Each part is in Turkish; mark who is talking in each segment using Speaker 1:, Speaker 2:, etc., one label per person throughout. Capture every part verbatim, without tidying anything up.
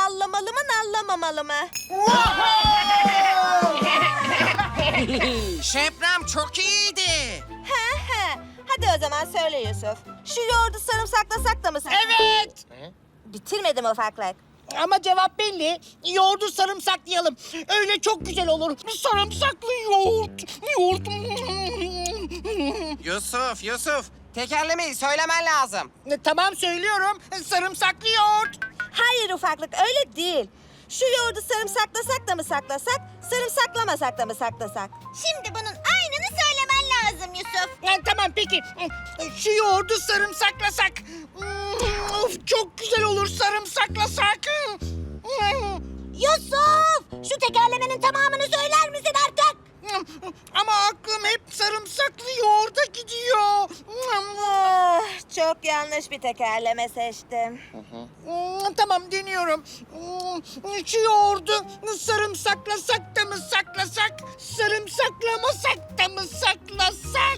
Speaker 1: nallamalı mı, nallamamalı mı?
Speaker 2: Şebnem çok iyiydi.
Speaker 1: He he. Hadi o zaman söyle Yusuf. Şu yoğurdu sarımsaklasak da mı sen?
Speaker 3: Evet.
Speaker 1: Bitirmedim ufaklık.
Speaker 3: Ama cevap belli. Yoğurdu sarımsaklayalım. Öyle çok güzel olur. Sarımsaklı yoğurt. Yoğurt.
Speaker 2: Yusuf, Yusuf. Tekerlemeyi söylemen lazım.
Speaker 3: E, Tamam söylüyorum. Sarımsaklı yoğurt.
Speaker 1: Hayır ufaklık, öyle değil. Şu yoğurdu sarımsaklasak da mı saklasak, sarımsaklamasak da mı saklasak?
Speaker 4: Şimdi bunun aynını söylemen lazım Yusuf.
Speaker 3: E, tamam peki. Şu yoğurdu sarımsaklasak. Of, çok güzel olur sarımsaklasak.
Speaker 4: Yusuf! Şu tekerlemenin tamamını söyler misin artık?
Speaker 3: Ama aklım hep sarımsaklı yoğurda gidiyor.
Speaker 1: Ah, çok yanlış bir tekerleme seçtim.
Speaker 3: Hmm, Tamam deniyorum. Hmm, Şu yoğurdu sarımsaklasak da mı saklasak, sarımsaklamasak da mı saklasak?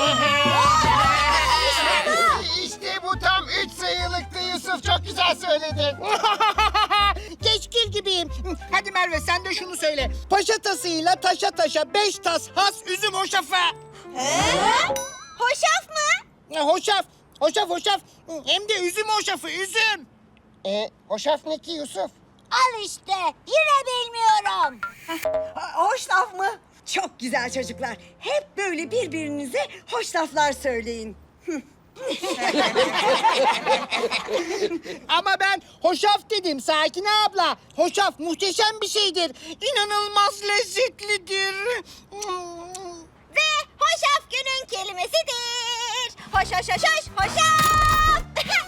Speaker 5: İşte bu tam üç sayılıktı Yusuf. Çok güzel söyledin.
Speaker 3: Keşkil gibiyim. Hadi Merve sen de şunu söyle. Paşa tasıyla taşa taşa beş tas has üzüm hoşafı.
Speaker 4: Hoşaf mı?
Speaker 3: Ya, Hoşaf, hoşaf, hoşaf. Hem de üzüm hoşafı, üzüm.
Speaker 5: E, hoşaf ne ki Yusuf?
Speaker 4: Al işte. Yine bilmiyorum.
Speaker 6: Hoş laf mı? Çok güzel çocuklar. Hep böyle birbirinize hoş laflar söyleyin.
Speaker 3: Ama ben hoşaf dedim Sakine abla. Hoşaf muhteşem bir şeydir. İnanılmaz lezzetlidir.
Speaker 4: Ve hoşaf günün kelimesidir. Hoş hoş hoş hoş hoşaf.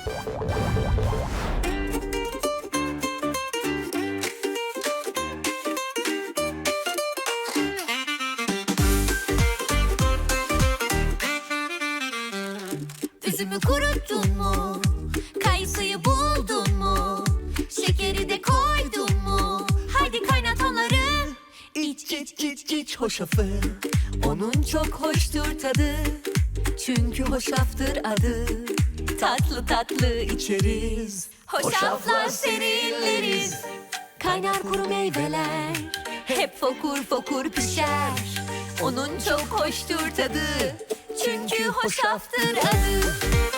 Speaker 7: Üzümü kuruttun mu? Kayısıyı buldun mu? Şekeri de koydun mu? Haydi kaynat onları. İç iç iç iç hoşafı. Onun çok hoştur tadı. Çünkü hoşaftır adı. Tatlı tatlı içeriz. Hoşaflar serinleriz. Kaynar kuru meyveler. Hep fokur fokur pişer. Onun çok hoştur tadı. Çünkü hoşaftır adı.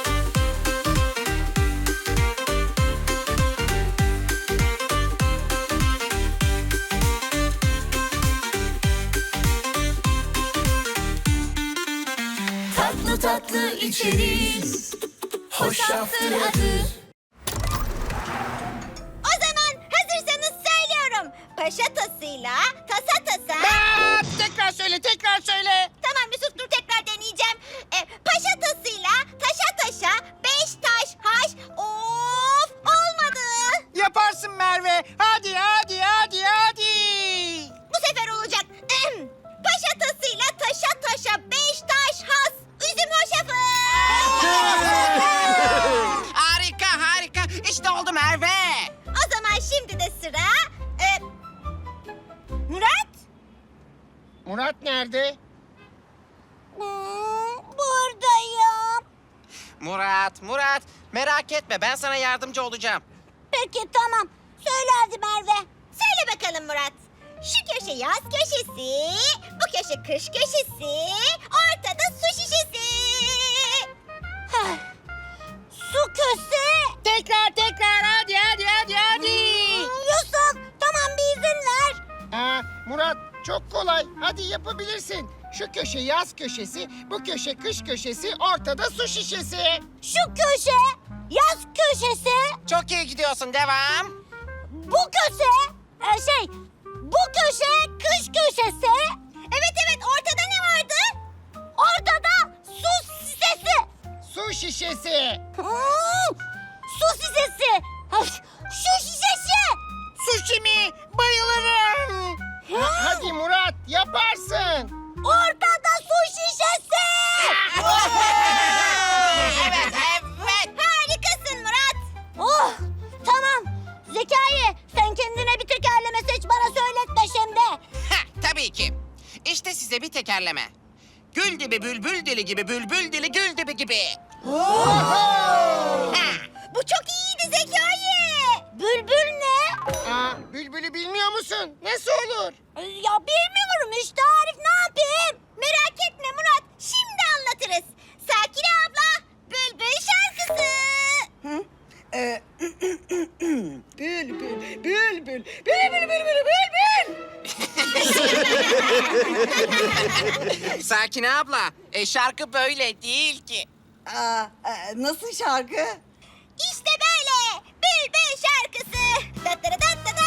Speaker 7: Tatlı tatlı içeriz. Hoşaftır adı.
Speaker 4: O zaman hazırsanız söylüyorum. Paşa tasıyla tasa tasa.
Speaker 3: Aa, tekrar söyle, tekrar söyle.
Speaker 4: Tamam Yusuf dur tekrar deneyeceğim. E, paşa tasıyla taşa taşa beş taş haş. Of olmadı.
Speaker 3: Yaparsın Merve. Hadi, hadi, hadi, hadi.
Speaker 4: Bu sefer olacak. Ahem. Paşa tasıyla taşa taşa beş taş has. Üzüm hoşafı.
Speaker 2: Harika, harika. İşte oldu Merve.
Speaker 4: O zaman şimdi de sıra... E, Murat?
Speaker 5: Murat nerede?
Speaker 4: Hmm, buradayım.
Speaker 2: Murat, Murat. Merak etme, ben sana yardımcı olacağım.
Speaker 4: Peki tamam. Söyle hadi Merve. Söyle bakalım Murat. Şu köşe yaz köşesi, bu köşe kış köşesi, ortada su şişesi. Heh. Su köşesi.
Speaker 3: Tekrar, tekrar, hadi, hadi, hadi, hadi.
Speaker 4: Yusuf tamam bir izin ver.
Speaker 5: Aa, Murat çok kolay. Hadi yapabilirsin. Şu köşe yaz köşesi, bu köşe kış köşesi, ortada su şişesi.
Speaker 4: Şu köşe yaz köşesi,
Speaker 2: Çok iyi gidiyorsun, devam.
Speaker 4: bu köşe e, şey bu köşe kış köşesi. Evet evet ortada ne vardı? Ortada su şişesi.
Speaker 5: Su şişesi.
Speaker 4: Hmm, su şişesi. Ay, şu şişesi.
Speaker 3: Sushi mi? Bayılırım.
Speaker 5: Ha- hadi Murat yaparsın.
Speaker 4: Ortada su şişesi.
Speaker 2: Evet, evet.
Speaker 4: Harikasın Murat. Oh tamam. Zekai sen kendine bir tekerleme seç bana söyletme şimdi.
Speaker 2: Ha, tabii ki. İşte size bir tekerleme. Gül dibi bülbül dili gibi bülbül dili gül dibi gibi.
Speaker 4: Bu çok iyiydi Zekai. Bülbül ne?
Speaker 5: musun? Nasıl olur?
Speaker 4: Ya bilmiyorum işte Arif, ne yapayım? Merak etme Murat, şimdi anlatırız. Sakine abla, Bülbül şarkısı.
Speaker 6: Hı? Ee, bülbül, bülbül, bülbül, bülbül, bülbül.
Speaker 2: Sakine abla, e, şarkı böyle değil ki.
Speaker 6: Aa, e, nasıl şarkı?
Speaker 4: İşte böyle Bülbül şarkısı. Dat dat dat dat dat.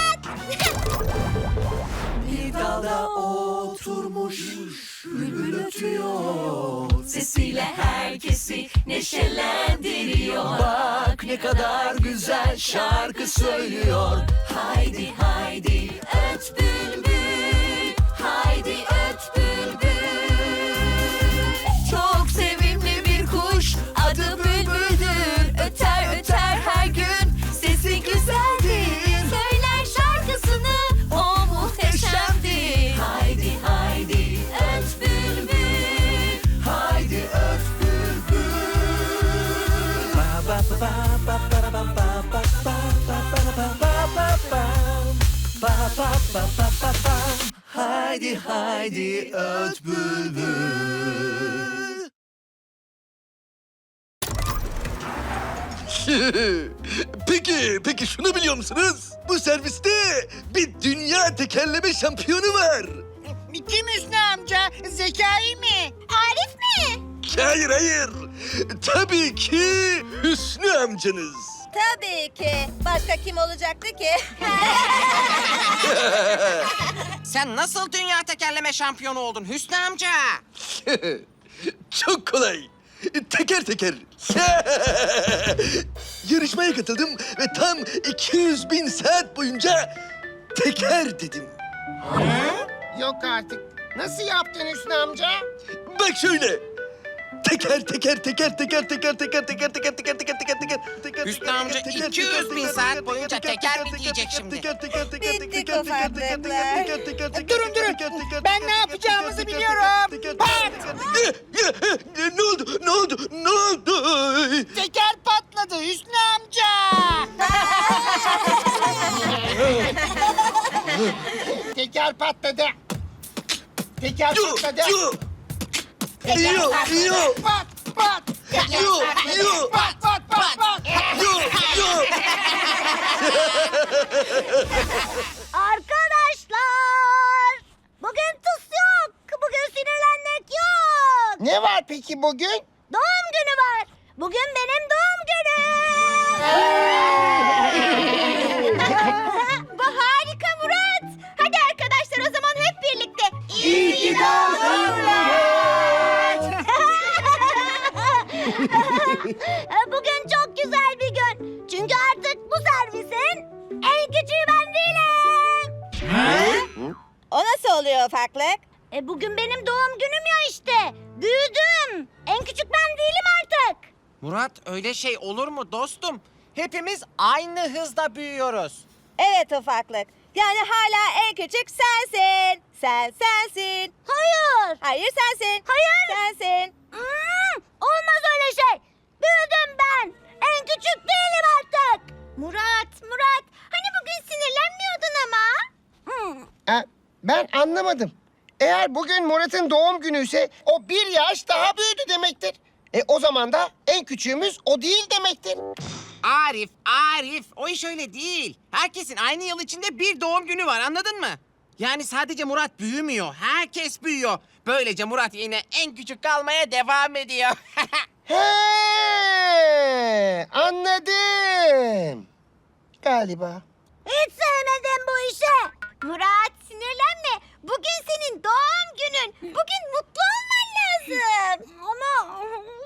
Speaker 7: Bir dalda oturmuş bülbül ötüyor, sesiyle herkesi neşelendiriyor. Bak ne kadar güzel şarkı söylüyor. Haydi haydi öt bülbül, haydi öt bülbül. Çok sevimli bir kuş, adı bülbüldür. Öter öter her gün, sesi güzeldir. Söyler şarkısını, o muhteşemdir. Haydi haydi öt bülbül, haydi öt bülbül.
Speaker 8: Haydi haydi öt bülbül.
Speaker 9: Peki, peki şunu biliyor musunuz? Bu serviste bir dünya tekerleme şampiyonu var.
Speaker 3: Kim Hüsnü amca? Zekai mi?
Speaker 4: Arif mi?
Speaker 9: Hayır, hayır. Tabii ki Hüsnü amcanız.
Speaker 1: Tabii ki. Başka kim olacaktı ki?
Speaker 2: Sen nasıl dünya tekerleme şampiyonu oldun Hüsnü amca?
Speaker 9: Çok kolay. Teker teker. Yarışmaya katıldım ve tam iki yüz bin saat boyunca teker dedim.
Speaker 5: Yok artık. Nasıl yaptın Hüsnü amca?
Speaker 9: Bak şöyle. Teker teker teker teker teker teker teker teker teker teker teker teker.
Speaker 2: Hüsnü amca iki yüz bin saat boyunca teker mi diyecek şimdi?
Speaker 1: Bittik ufaklıklar.
Speaker 3: Durun durun. Ben ne yapacağımızı biliyorum. Pat!
Speaker 9: Ne oldu? Ne oldu? Ne oldu?
Speaker 3: Teker patladı Hüsnü amca.
Speaker 5: Teker patladı. Teker
Speaker 9: Yo,
Speaker 5: patladı.
Speaker 9: yo. Yo, yo,
Speaker 5: Pat pat.
Speaker 9: yo, yo,
Speaker 5: Pat pat pat pat.
Speaker 9: yo, yo.
Speaker 4: Arkadaşlar, bugün tıs yok. Bugün sinirlenmek yok.
Speaker 5: Ne var peki bugün?
Speaker 4: Doğum günü var. Bugün benim doğum günüm. Bu harika Murat. Hadi arkadaşlar, o zaman hep birlikte. İyi ki doğdun Bugün çok güzel bir gün. Çünkü artık bu servisin en küçüğü ben değilim.
Speaker 1: O nasıl oluyor ufaklık?
Speaker 4: E bugün benim doğum günüm ya işte. Büyüdüm. En küçük ben değilim artık.
Speaker 2: Murat öyle şey olur mu dostum? Hepimiz aynı hızda büyüyoruz.
Speaker 1: Evet ufaklık. Yani hala en küçük sensin. Sen sensin.
Speaker 4: Hayır.
Speaker 1: Hayır sensin.
Speaker 4: Hayır.
Speaker 1: Sensin.
Speaker 4: Hmm, olmaz öyle şey. Büyüdüm ben. En küçük değilim artık. Murat, Murat. Hani bugün sinirlenmiyordun ama. Hmm.
Speaker 5: Ha, ben anlamadım. Eğer bugün Murat'ın doğum günü ise o bir yaş daha büyüdü demektir. E o zaman da en küçüğümüz o değil demektir.
Speaker 2: Arif, Arif o iş öyle değil. Herkesin aynı yıl içinde bir doğum günü var anladın mı? Yani sadece Murat büyümüyor, herkes büyüyor. Böylece Murat yine en küçük kalmaya devam ediyor.
Speaker 5: He, anladım. Galiba.
Speaker 4: Hiç sevmedim bu işi. Murat, sinirlenme. Bugün senin doğum günün. Bugün mutlu olman lazım. Ama...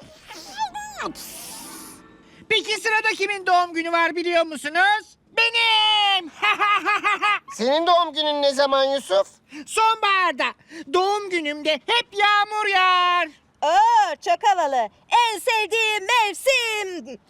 Speaker 3: Peki sırada kimin doğum günü var biliyor musunuz? Benim.
Speaker 5: Senin doğum günün ne zaman Yusuf?
Speaker 3: Sonbaharda. Doğum günümde hep yağmur yağar.
Speaker 1: Oo, çok havalı. En sevdiğim mevsim.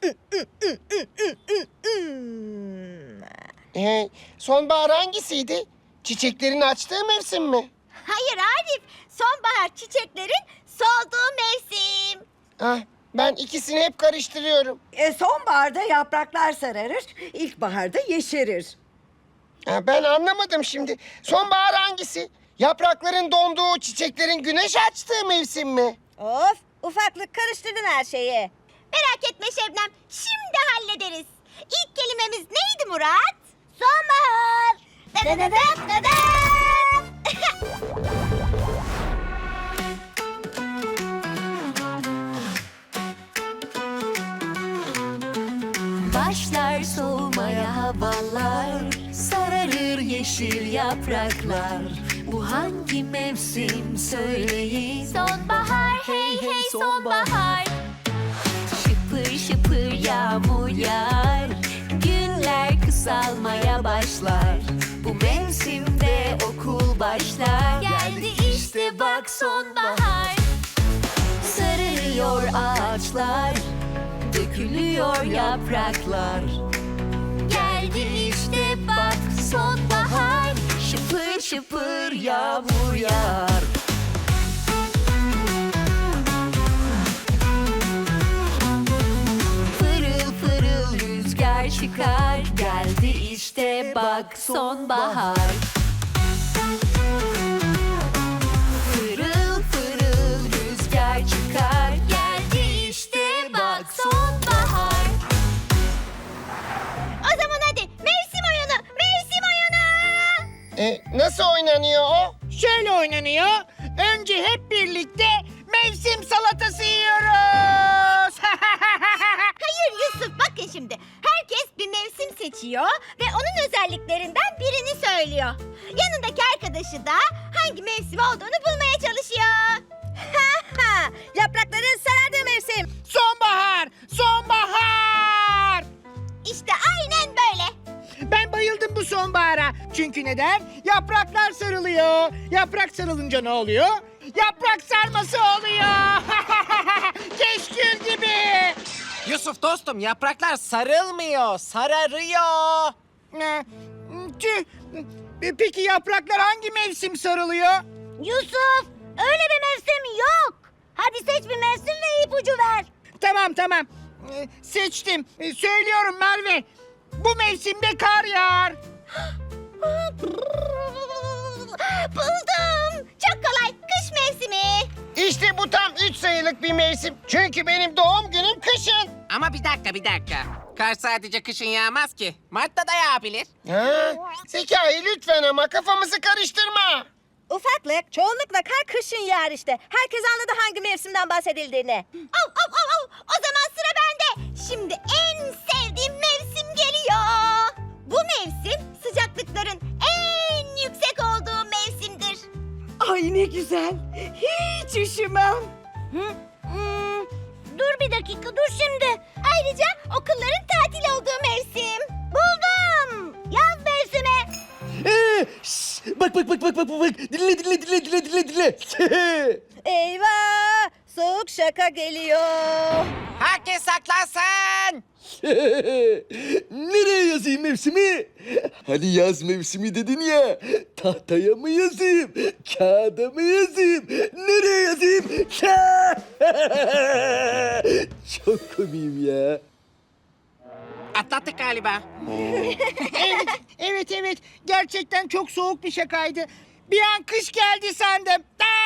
Speaker 5: Ee, sonbahar hangisiydi? Çiçeklerin açtığı mevsim mi?
Speaker 4: Hayır Arif, sonbahar çiçeklerin solduğu mevsim.
Speaker 5: Ah, ben ikisini hep karıştırıyorum.
Speaker 6: E, sonbaharda yapraklar sararır, ilkbaharda yeşerir.
Speaker 5: Ha, ben anlamadım şimdi. Sonbahar hangisi? Yaprakların donduğu, çiçeklerin güneş açtığı mevsim mi?
Speaker 1: Of, ufaklık karıştırdın her şeyi.
Speaker 4: Merak etme Şebnem, şimdi hallederiz. İlk kelimemiz neydi Murat? Sonbahar. Dadadadat dadat.
Speaker 7: Başlar soğumaya havalar, sararır yeşil yapraklar. Bu hangi mevsim söyleyin?
Speaker 4: Sonbahar, hey hey sonbahar.
Speaker 7: Şıpır şıpır yağmur yağar, günler kısalmaya başlar. Bu mevsimde okul başlar. Geldi işte bak sonbahar. Sararıyor ağaçlar, dökülüyor yapraklar. Geldi işte bak sonbahar. Şıpır şıpır yağmur yağar. Pırıl pırıl rüzgar çıkar. Geldi işte bak sonbahar. Pırıl pırıl rüzgar çıkar. Geldi işte bak sonbahar.
Speaker 4: O zaman hadi mevsim oyunu, mevsim oyunu.
Speaker 5: E, nasıl oynanıyor o?
Speaker 3: Şöyle oynanıyor. Önce hep birlikte mevsim salatası yiyoruz.
Speaker 4: Hayır Yusuf, bakın şimdi. Herkes bir mevsim seçiyor ve onun özelliklerinden birini söylüyor. Yanındaki arkadaşı da hangi mevsim olduğunu bulmaya çalışıyor.
Speaker 1: Yaprakların sarardığı mevsim.
Speaker 3: Sonbahar, sonbahar.
Speaker 4: İşte aynen böyle.
Speaker 3: Ben bayıldım bu sonbahara. Çünkü neden? Yapraklar sarılıyor. Yaprak sarılınca ne oluyor? Yaprak sarması oluyor. Keşkül gibi.
Speaker 2: Yusuf dostum, yapraklar sarılmıyor, sararıyor.
Speaker 3: Ee, Tüh. Peki yapraklar hangi mevsim sarılıyor?
Speaker 4: Yusuf, öyle bir mevsim yok. Hadi seç bir mevsim ve ipucu ver.
Speaker 3: Tamam tamam. Ee, Seçtim. Ee, Söylüyorum Merve. Bu mevsimde kar yağar.
Speaker 4: Buldum. Çok kolay. Kış mevsimi.
Speaker 5: İşte bu tam üç sayılık bir mevsim. Çünkü benim doğum günüm kışın.
Speaker 2: Ama bir dakika, bir dakika. Kar sadece kışın yağmaz ki. Mart'ta da yağabilir.
Speaker 5: Ha? Zekai lütfen ama kafamızı karıştırma.
Speaker 1: Ufaklık, çoğunlukla kar kışın yağar işte. Herkes anladı hangi mevsimden bahsedildiğini.
Speaker 4: Av, av, av, av. O zaman sıra bende. Şimdi en sevdiğim mevsim geliyor. Bu mevsim sıcaklıkların en yüksek olduğu mevsimdir.
Speaker 6: Ay ne güzel. Hiç üşümem.
Speaker 4: Hı? Hmm, dur bir dakika, dur şimdi. Ayrıca okulların tatil olduğu mevsim. Buldum. Yaz mevsimi.
Speaker 9: Ee, şş, bak bak bak bak bak bak. Dinle dinle dinle dinle dinle dinle.
Speaker 1: Eyvah! Soğuk şaka geliyor.
Speaker 2: Herkes saklansın.
Speaker 9: Nereye yazayım mevsimi? Hani yaz mevsimi dedin ya. Tahtaya mı yazayım? Kağıda mı yazayım? Nereye yazayım? Çok komiyim ya.
Speaker 2: Atlattık galiba.
Speaker 3: Evet, evet, evet. Gerçekten çok soğuk bir şakaydı. Bir an kış geldi sandım.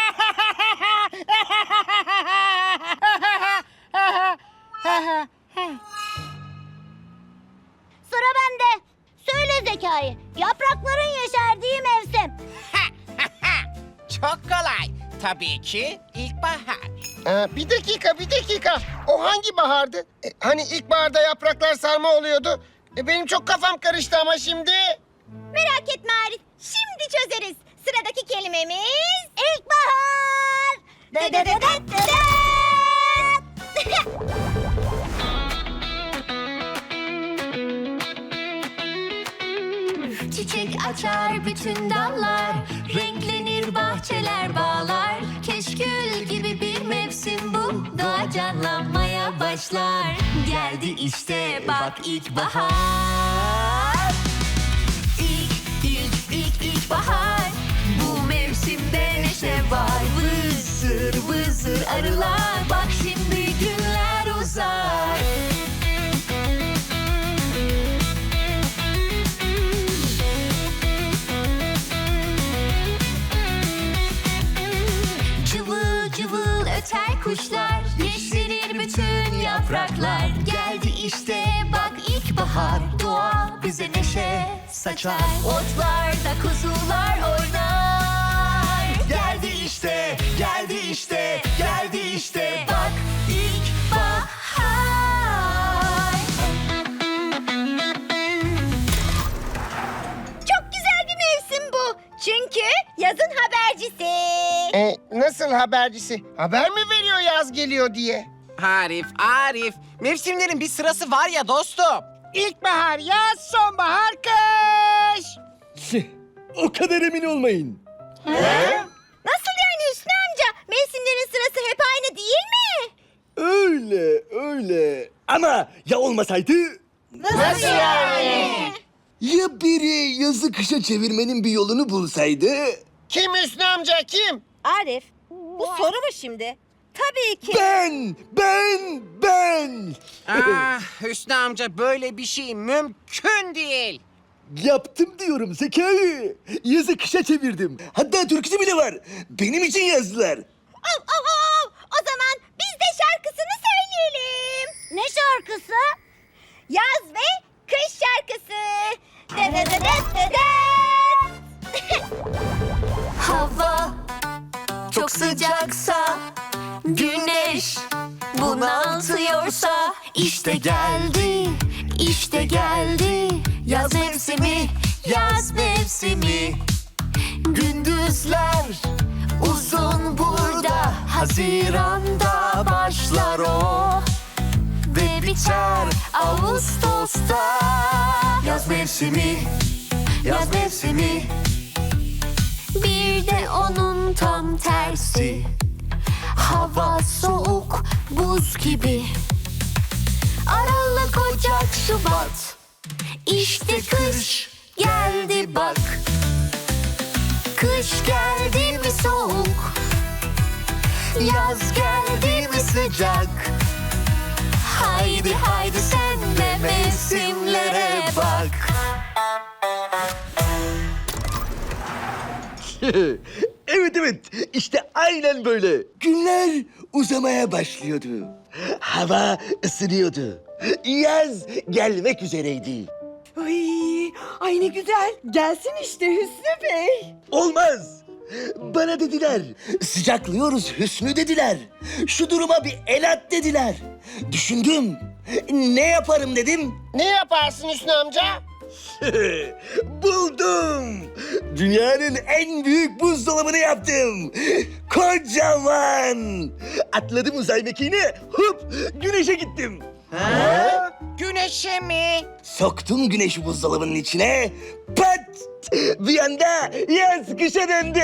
Speaker 4: Sıra bende. Söyle Zekai. Yaprakların yeşerdiği mevsim.
Speaker 2: Çok kolay. Tabii ki ilkbahar.
Speaker 5: Aa, bir dakika, bir dakika. O hangi bahardı? E, hani ilkbaharda yapraklar sarma oluyordu. E, benim çok kafam karıştı ama şimdi.
Speaker 4: Merak etme Arif. Şimdi çözeriz. Sıradaki kelimemiz ilkbahar. Dadadadadada.
Speaker 7: Çiçek açar bütün dallar, renklenir bahçeler bağlar. Keşkül gibi bir mevsim bu, doğa canlanmaya başlar. Geldi işte bak ilkbahar. İlk, ilk, ilk, ilkbahar. Bu mevsimde neşe var. Vızır vızır arılar, bak şimdi günler uzar. işte bak ilkbahar, doğa bize neşe saçar. Otlarda kuzular oynar.
Speaker 8: Geldi işte, geldi işte, geldi işte.
Speaker 7: Bak ilkbahar.
Speaker 4: Çok güzel bir mevsim bu. Çünkü yazın habercisi.
Speaker 5: E, nasıl habercisi? Haber mi veriyor yaz geliyor diye?
Speaker 2: Arif, Arif. Mevsimlerin bir sırası var ya dostum.
Speaker 3: İlkbahar, yaz, sonbahar, kış.
Speaker 9: O kadar emin olmayın.
Speaker 4: Nasıl yani Hüsnü amca? Mevsimlerin sırası hep aynı değil mi?
Speaker 9: Öyle, öyle. Ama ya olmasaydı?
Speaker 5: Nasıl yani?
Speaker 9: Ya biri yazı kışa çevirmenin bir yolunu bulsaydı?
Speaker 5: Kim Hüsnü amca kim?
Speaker 1: Arif, bu soru mu şimdi? Tabii ki.
Speaker 9: Ben, ben, ben.
Speaker 2: Ah Hüsnü amca böyle bir şey mümkün değil.
Speaker 9: Yaptım diyorum Zekai. Yazı kışa çevirdim. Hatta türküsü bile var. Benim için yazdılar.
Speaker 4: Av, av, av. O zaman biz de şarkısını söyleyelim. Ne şarkısı? Yaz ve kış şarkısı. De de de de de de.
Speaker 7: Hava çok sıcaksa, güneş bunaltıyorsa, işte geldi, işte geldi yaz mevsimi, yaz mevsimi. Gündüzler uzun burada, Haziran'da başlar o ve biter Ağustos'ta. Yaz mevsimi, yaz mevsimi. Bir de onun tam tersi, hava soğuk, buz gibi. Aralık, Ocak, Şubat, işte kış geldi bak. Kış geldi mi soğuk, yaz geldi mi sıcak. Haydi haydi sen de mevsimlere bak.
Speaker 9: Evet evet işte aynen böyle. Günler uzamaya başlıyordu. Hava ısınıyordu. Yaz gelmek üzereydi.
Speaker 6: Ay, ay ne güzel. Gelsin işte Hüsnü Bey.
Speaker 9: Olmaz. Bana dediler. Sıcaklıyoruz Hüsnü dediler. Şu duruma bir el at dediler. Düşündüm. Ne yaparım dedim.
Speaker 5: Ne yaparsın Hüsnü amca?
Speaker 9: Buldum. Dünyanın en büyük buzdolabını yaptım. Kocaman. Atladım uzay mekiğine. Hop güneşe gittim.
Speaker 2: Güneşe mi?
Speaker 9: Soktum güneşi buzdolabının içine. Pat! Bir anda yaz kışa döndü.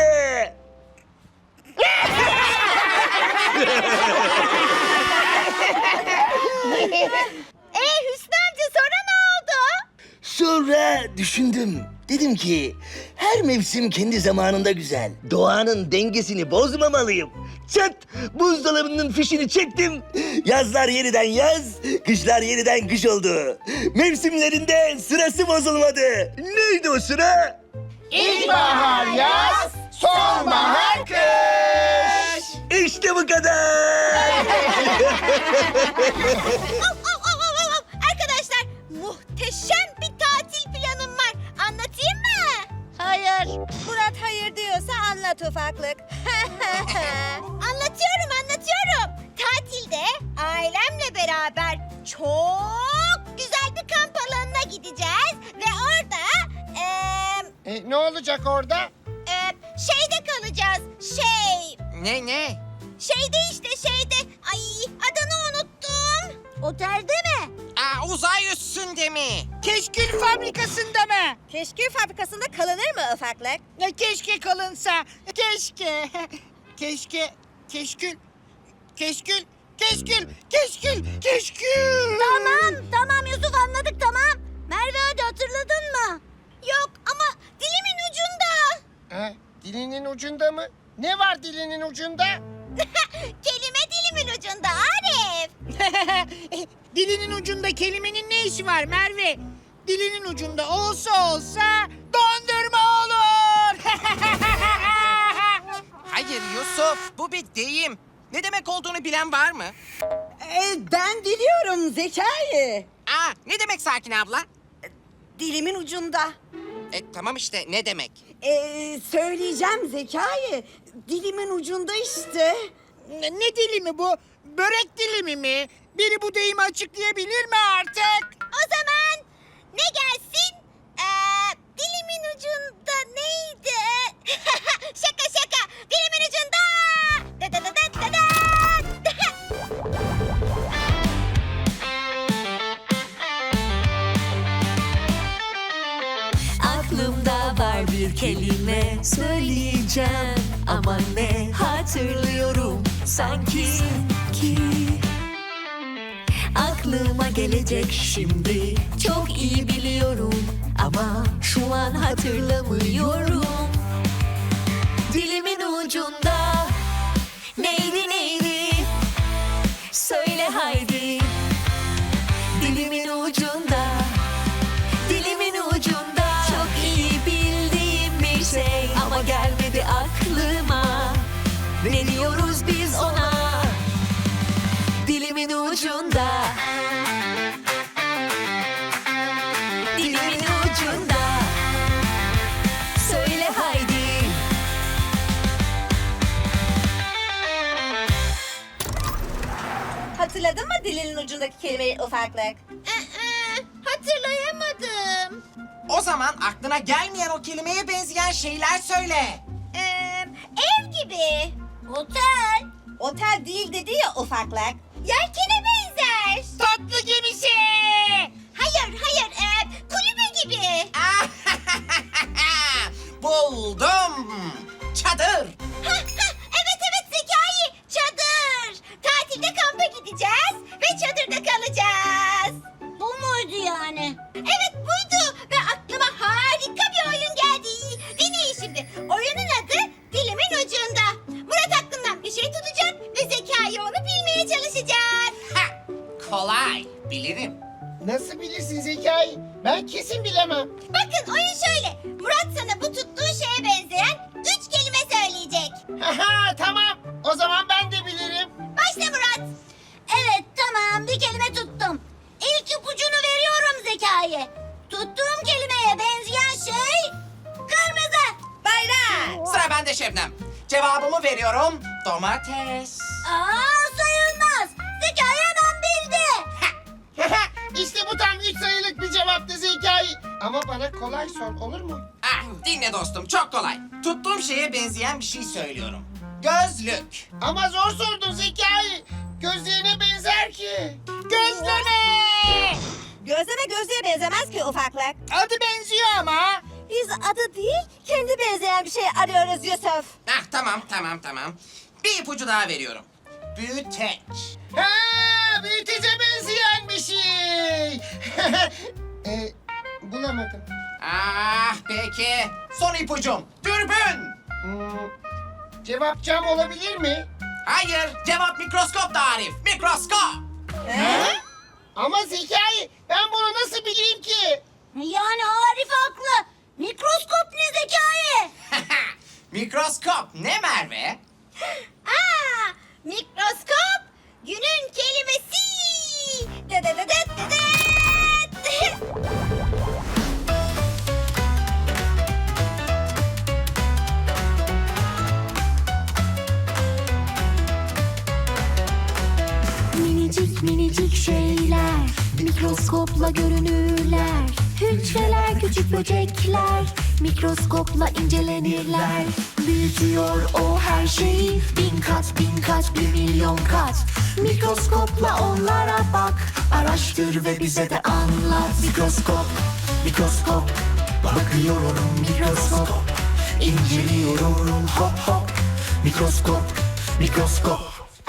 Speaker 4: Ee Hüsnü amca sonra ne oldu?
Speaker 9: Sonra düşündüm. Dedim ki her mevsim kendi zamanında güzel. Doğanın dengesini bozmamalıyım. Çat! Buzdolabının fişini çektim. Yazlar yeniden yaz, kışlar yeniden kış oldu. Mevsimlerinde sırası bozulmadı. Neydi o sıra?
Speaker 5: İlkbahar, yaz, sonbahar, kış.
Speaker 9: İşte bu kadar.
Speaker 4: Av, av, av, av, av, av. Arkadaşlar muhteşem bir tatil planım var. Anlatayım mı?
Speaker 1: Hayır. Murat hayır diyorsa anlat ufaklık.
Speaker 4: Anlatıyorum anlatıyorum. Tatilde ailemle beraber çok güzel bir kamp alanına gideceğiz. Ve orada eee
Speaker 5: E, ne olacak orada?
Speaker 4: eee, şeyde kalacağız. Şey
Speaker 2: Ne ne?
Speaker 4: şeyde işte şeyde. Ay adını unuttum. Otelde mi?
Speaker 2: Aa, uzay üstünde mi?
Speaker 3: Keşkül fabrikasında mı?
Speaker 1: Keşkül fabrikasında kalınır mı ufaklık?
Speaker 3: Ya keşke kalınsa. Keşke. Keşke. Keşkül. Keşkül. Keşkül. Keşkül. Keşkül.
Speaker 4: Tamam tamam Yusuf anladık tamam. Merve hadi hatırladın mı? Yok ama dilimin ucunda.
Speaker 5: Ha, dilinin ucunda mı? Ne var dilinin ucunda?
Speaker 4: Kelime dilimin ucunda Arif.
Speaker 3: Dilinin ucunda kelimenin ne işi var Merve? Dilinin ucunda olsa olsa dondurma olur.
Speaker 2: Hayır Yusuf, bu bir deyim. Ne demek olduğunu bilen var mı?
Speaker 6: Ee, ben biliyorum Zekai.
Speaker 2: Aa, ne demek Sakin abla?
Speaker 6: Dilimin ucunda.
Speaker 2: E, tamam işte, ne demek?
Speaker 6: Ee, söyleyeceğim Zekai. Dilimin ucunda işte.
Speaker 3: Ne, ne dilimi bu? Börek dilimi mi? Biri bu deyimi açıklayabilir mi artık?
Speaker 4: O zaman ne gelsin? Ee, dilimin ucunda neydi? Şaka şaka. Dilimin ucunda. Da da da da da da.
Speaker 7: Aklımda var bir kelime söyleyeceğim ama ne hatırlıyorum sanki ki aklıma gelecek şimdi çok iyi biliyorum ama şu an hatırlamıyorum. Dilimin ucunda neydi neydi söyle haydi. Dilimin ucunda, dilimin ucunda çok iyi bildiğim bir şey ama gelmedi aklıma. Ne diyoruz biz ona? Dilimin ucunda. Dilimin ucunda. Söyle haydi.
Speaker 1: Hatırladın mı dilinin ucundaki kelimeyi ufaklık?
Speaker 4: Ee, hatırlayamadım.
Speaker 2: O zaman aklına gelmeyen o kelimeye benzeyen şeyler söyle.
Speaker 4: Ee, ev gibi. Otel.
Speaker 1: Otel değil dedi ya ufaklık.
Speaker 4: Yelkene benzer.
Speaker 3: Tatlı gemisi.
Speaker 4: Hayır hayır. ee, kulübe gibi.
Speaker 2: Buldum. Çadır.
Speaker 4: Ha, ha, evet evet Zekai. Çadır. Tatilde kampa gideceğiz ve çadırda kalacağız. Bu muydu yani? Evet buydu ve aklıma harika bir oyun geldi. Dinleyin şimdi. Oyunun adı Dilimin Ucunda. Murat aklından bir şey tutacak ve Zekai onu bilmeye çalışacak.
Speaker 2: Ha, kolay. Bilirim.
Speaker 5: Nasıl bilirsin Zekai? Ben kesin bilemem.
Speaker 4: Bakın oyun şöyle. Murat sana bu tuttuğu şeye benzeyen üç kelime söyleyecek.
Speaker 5: Haha tamam. O zaman ben de bilirim.
Speaker 4: Başla Murat. Evet tamam bir kelime tuttum. İlk ipucunu veriyorum Zekai. Tuttuğum kelimeye benzeyen şey kırmızı.
Speaker 1: Bayrak.
Speaker 2: Sıra bende Şebnem. Cevabımı veriyorum. Domates.
Speaker 4: Aa sayılmaz. Zekai hemen bildi.
Speaker 5: İşte bu tam üç sayılık bir cevaptı Zekai. Ama bana kolay sor olur mu?
Speaker 2: Ah, dinle dostum, çok kolay. Tuttuğum şeye benzeyen bir şey söylüyorum. Gözlük.
Speaker 5: Ama zor sordun Zekai. Gözlerine benzer ki. Gözleme!
Speaker 1: Gözleme gözlüğe benzemez ki ufaklık.
Speaker 3: Adı benziyor ama.
Speaker 1: Biz adı değil, kendi benzeyen bir şey arıyoruz Yusuf.
Speaker 2: Ah, tamam, tamam, tamam. Bir ipucu daha veriyorum. Büyüteç.
Speaker 5: Ha, büyütece benzeyen bir şey. e, bulamadım.
Speaker 2: Ah, peki. Son ipucum. Dürbün.
Speaker 5: Hmm, cevap cam olabilir mi?
Speaker 2: Hayır, cevap mikroskop da Arif. Mikroskop.
Speaker 5: Ama Zekai, ben bunu nasıl bileyim ki?
Speaker 4: Yani Arif haklı. Mikroskop ne Zekai?
Speaker 2: Mikroskop ne Merve?
Speaker 4: Aa, mikroskop günün kelimesi. De de de de de de.
Speaker 7: Minicik minicik şeyler mikroskopla görünürler. Hücreler küçük böcekler mikroskopla incelenirler. Büyütüyor o her şeyi bin kat bin kat bir milyon kat. Mikroskopla onlara bak, araştır ve bize de anlat. Mikroskop, mikroskop, bakıyorum mikroskop, inceliyorum hop hop. Mikroskop, mikroskop.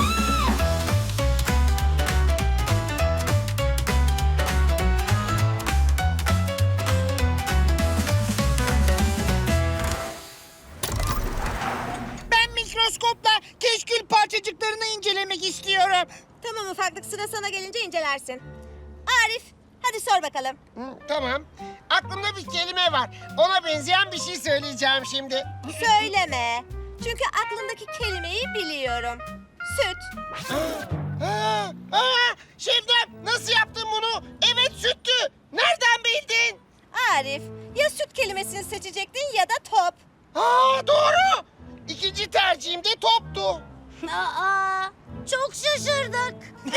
Speaker 3: Ben mikroskopla keşkül parçacıklarını incelemek istiyorum.
Speaker 1: Tamam ufaklık, sıra sana gelince incelersin. Arif, hadi sor bakalım.
Speaker 5: Hı, tamam. Aklımda bir kelime var. Ona benzeyen bir şey söyleyeceğim şimdi.
Speaker 1: Söyleme. Çünkü aklındaki kelimeyi biliyorum. Süt.
Speaker 5: Ha, ha, Şebnem nasıl yaptın bunu? Evet süttü. Nereden bildin?
Speaker 1: Arif, ya süt kelimesini seçecektin ya da top.
Speaker 5: Aa doğru. İkinci tercihim de toptu.
Speaker 4: Aa, çok şaşırdık.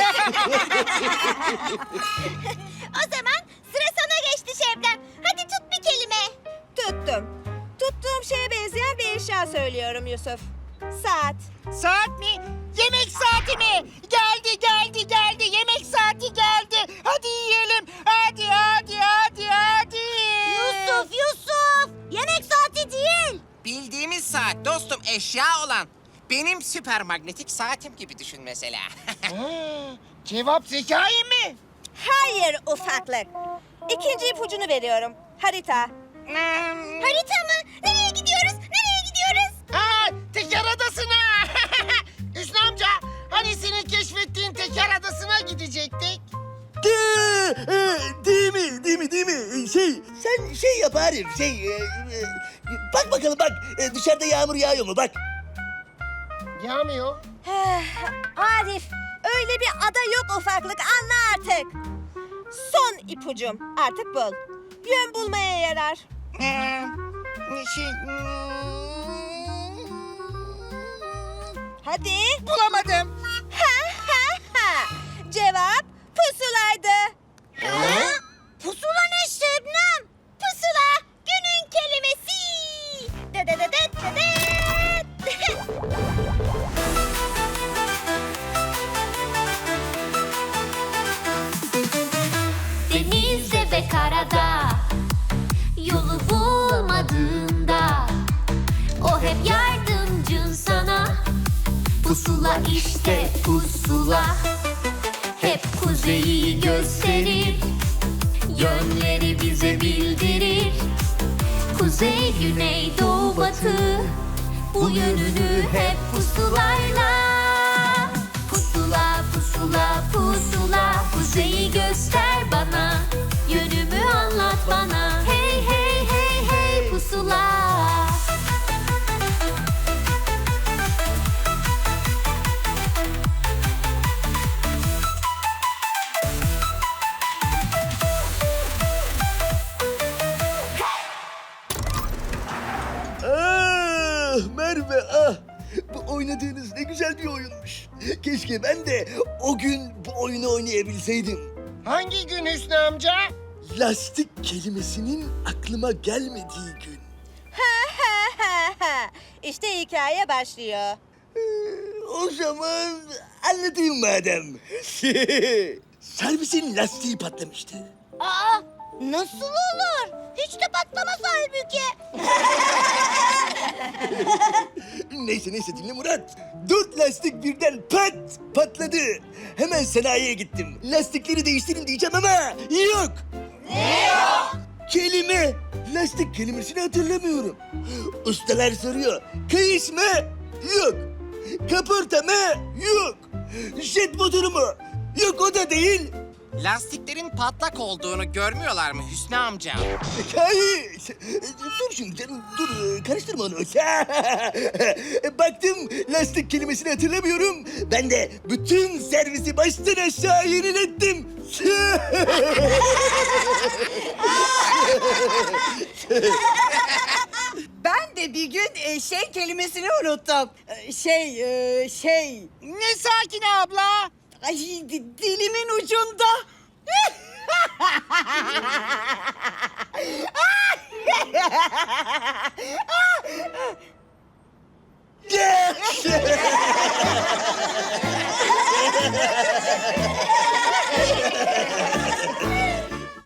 Speaker 4: O zaman sıra sana geçti Şebnem. Hadi tut bir kelime.
Speaker 1: Tuttum. Tuttuğum şeye benzeyen bir eşya söylüyorum Yusuf. Saat.
Speaker 3: Saat mi? Yemek saati mi? Geldi geldi geldi. Yemek saati geldi. Hadi yiyelim. Hadi hadi hadi hadi.
Speaker 4: Yusuf, Yusuf. Yemek saati değil.
Speaker 2: Bildiğimiz saat dostum, eşya olan. Benim süper magnetik saatim gibi düşün mesela.
Speaker 5: Ha, cevap Zekai mi?
Speaker 1: Hayır ufaklık. İkinci ipucunu veriyorum. Harita.
Speaker 4: Harita mı? Nereye gidiyoruz? Nereye gidiyoruz?
Speaker 5: Aa, Teker Adası'na. Hüsnü amca, hani senin keşfettiğin Teker Adası'na gidecektik?
Speaker 9: De, e, değil mi? Değil mi? Değil mi? E, Şey, sen şey yap Arif, şey... e, e, bak bakalım bak, e, dışarıda yağmur yağıyor mu? Bak.
Speaker 5: Yağmıyor.
Speaker 1: Arif, öyle bir ada yok ufaklık, anla artık. Son ipucum, artık bul. Yön bulmaya yarar.
Speaker 3: Ee, şey,
Speaker 1: Hadi.
Speaker 3: bulamadım.
Speaker 1: Ha ha ha. Cevap pusulaydı.
Speaker 4: Pusula ne Şebnem? Pusula günün kelimesi. De de de de de de.
Speaker 7: Denizde ve karada yolu bulmadığında o hep yardımcın sana. Pusula işte pusula, hep kuzeyi gösterir, yönleri bize bildirir. Kuzey, güney, doğu, batı, bu yönünü hep pusulayla. Pusula, pusula, pusula, kuzeyi göster bana, yönümü anlat bana. Hey hey hey hey pusula.
Speaker 9: Ah Merve ah! Bu oynadığınız ne güzel bir oyunmuş. Keşke ben de o gün bu oyunu oynayabilseydim.
Speaker 5: Hangi gün Hüsnü amca?
Speaker 9: Lastik kelimesinin aklıma gelmediği gün.
Speaker 1: Ha ha ha ha. İşte hikaye başlıyor.
Speaker 9: Ee, O zaman anlatayım madem. Servisin lastiği patlamıştı.
Speaker 4: Aa, nasıl olur? Hiç de patlamaz halbuki.
Speaker 9: Neyse neyse dinle Murat. Dört lastik birden pat patladı. Hemen sanayiye gittim. Lastikleri değiştirin diyeceğim ama yok. Ne yok? Kelime. Lastik kelimesini hatırlamıyorum. Ustalar soruyor. Kayış mı? Yok. Kaporta mı? Yok. Jet motoru mu? Yok o da değil.
Speaker 2: Lastiklerin patlak olduğunu görmüyorlar mı Hüsnü amca?
Speaker 9: Kayış. Dur şimdi canım dur karıştırma onu. Baktım lastik kelimesini hatırlamıyorum. Ben de bütün servisi baştan aşağı yenilettim.
Speaker 6: Ben de bir gün e, şey kelimesini unuttum. E, Şey, e, şey...
Speaker 3: Ne sakin abla?
Speaker 6: Ay di- dilimin ucunda.